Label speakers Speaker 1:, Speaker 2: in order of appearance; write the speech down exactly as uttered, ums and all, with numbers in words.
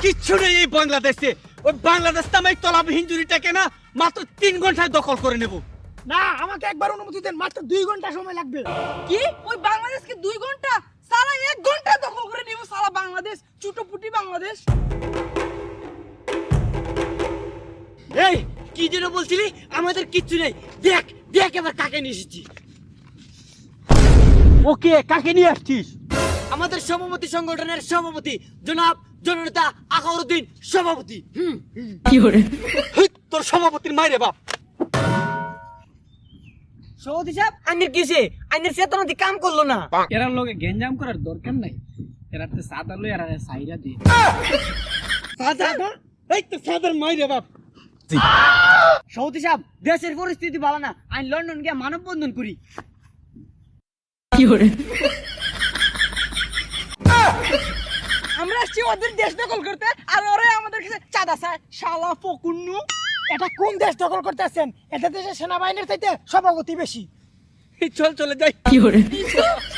Speaker 1: কিচ্ছু নেই এই বাংলাদেশে। ওই বাংলাদেশ নামে তলাবিহীন জুড়িটাকে না মাত্র তিন ঘন্টায় দখল করে নেব।
Speaker 2: না, আমাকে একবার অনুমতি দেন, মাত্র দুই ঘন্টা সময় লাগবে।
Speaker 3: কি ওই বাংলাদেশকে দুই ঘন্টা? সারা এক ঘন্টা দখল করে নিব সারা বাংলাদেশ, চুটোপুটি বাংলাদেশ।
Speaker 1: এই কি যেন বলছিলি? আমাদের কিচ্ছু নেই। দেখ দেখ এবার কাকে নিয়ে এসেছি। ওকে, কাকে নিয়ে আসছিস? আমাদের সভাপতি সংগঠনের সভাপতি জনাব জননেতা আকাউরউদ্দিন সভাপতি।
Speaker 3: কি করে?
Speaker 1: হেই, তোর সভাপতির মাইরে বাপ।
Speaker 3: সৌদি সাহেব, আইনের কিসে? আইনের চেতনা দিয়ে কাম করলো না।
Speaker 2: এরার লগে গেঞ্জাম করার দরকার নাই, এরা তো সাদা লই এরা সাইরা দিয়ে।
Speaker 1: সাদা? এই তো সাদার মাইরে বাপ।
Speaker 3: সৌদি সাহেব, দেশের পরিস্থিতি ভালো না, আইন লন্ডন গিয়ে মানববন্ধন করি। কি করে? আমরা আসছি ওদের দেশ দখল করতে, আর ওরা আমাদের কাছে চাঁদা চায়। শালা ফকুন্নু।
Speaker 2: এটা কোন দেশ দখল করতেছেন? এটা দেশের সেনাবাহিনীর চাইতে সভাপতি বেশি।
Speaker 1: চল চলে যাই।
Speaker 3: কি করে?